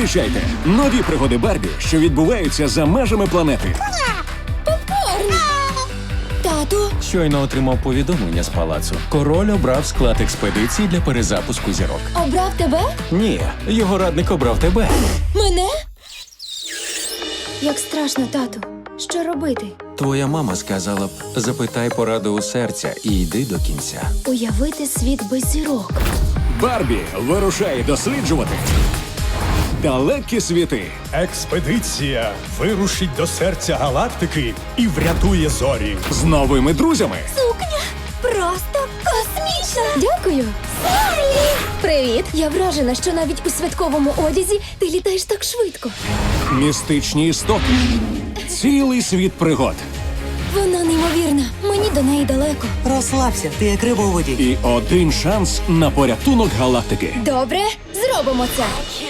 Зустрічайте нові пригоди Барбі, що відбуваються за межами планети. Тату, Щойно отримав повідомлення з палацу. Король обрав склад експедиції для перезапуску зірок. обрав тебе? Ні, його радник обрав тебе. Мене? Як страшно, тату. Що робити? Твоя мама сказала б, запитай пораду у серця і йди до кінця. Уявити світ без зірок. Барбі вирушає досліджувати далекі світи. Експедиція вирушить до серця галактики і врятує зорі. З новими друзями. Сукня просто космічна! Дякую! Салі! Привіт! Я вражена, що навіть у святковому одязі ти літаєш так швидко. Містичні істоти. Цілий світ пригод. Вона неймовірна. Мені до неї далеко. Розслабся, ти як риба у воді. І один шанс на порятунок галактики. Добре, зробимо це.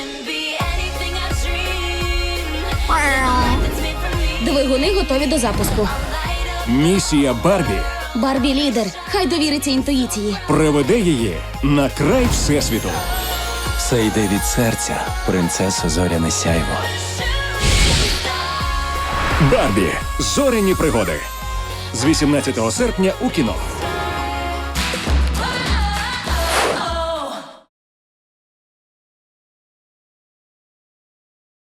Двигуни готові до запуску. Місія Барбі Барбі лідер. Хай довіриться інтуїції. приведе її на край Всесвіту. Все йде від серця, принцесо Зоряне сяйво. Барбі. Зоряні пригоди. З 18 серпня у кіно.